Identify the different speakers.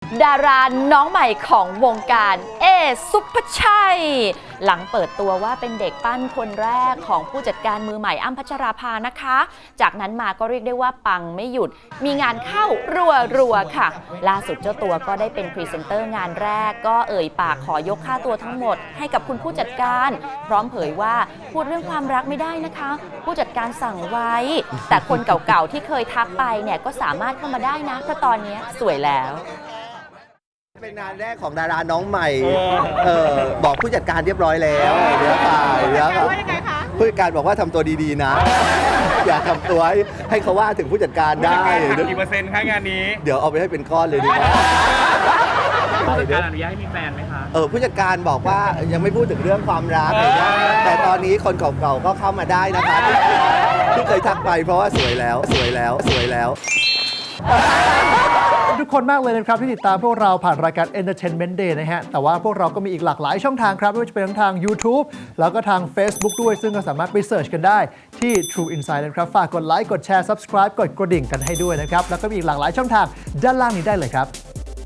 Speaker 1: ดาราน้องใหม่ของวงการสุภชัยหลังเปิดตัวว่าเป็นเด็กปั้นคนแรกของผู้จัดการมือใหม่อ้ำพัชราภานะคะจากนั้นมาก็เรียกได้ว่าปังไม่หยุดมีงานเข้ารัวๆค่ะล่าสุดเจ้าตัวก็ได้เป็นพรีเซนเตอร์งานแรกก็เอ่ยปากขอยกค่าตัวทั้งหมดให้กับคุณผู้จัดการพร้อมเผยว่าพูดเรื่องความรักไม่ได้นะคะผู้จัดการสั่งไว้แต่คนเก่าๆที่เคยทักไปเนี่ยก็สามารถเข้ามาได้นะเพราะตอนนี้สวยแล้ว
Speaker 2: เป็นงานแรกของดาราน้องใหม่บอกผู้จัดการเรียบร้อยแล้วเดี๋ยวค่ะผู้จัดการบอกว่าทำตัวดีๆนะอย่าทำตัวให้เขาว่าถึงผู้จัดการได้
Speaker 3: กี่เปอร์เซ็นต์คะงานนี้
Speaker 2: เดี๋ยวเอาไปให้เป็นก้อนเลยดีกว่า
Speaker 3: ผู้จัดการอนุญาตให้มีแฟนไหมคะ
Speaker 2: ผู้จัดการบอกว่ายังไม่พูดถึงเรื่องความรักแต่ตอนนี้คนเก่าๆก็เข้ามาได้นะคะที่เคยทักไปเพราะว่าสวยแล้ว
Speaker 4: ทุกคนมากเลยนะครับที่ติดตามพวกเราผ่านรายการ Entertainment Day นะฮะแต่ว่าพวกเราก็มีอีกหลากหลายช่องทางครับไม่ว่าจะเป็นทั้งทาง YouTube แล้วก็ทาง Facebook ด้วยซึ่งก็สามารถไปเสิร์ชกันได้ที่ True Insight นะครับฝากกดไลค์กดแชร์ Subscribe กดกระดิ่งกันให้ด้วยนะครับแล้วก็มีอีกหลากหลายช่องทางด้านล่างนี้ได้เลยครับ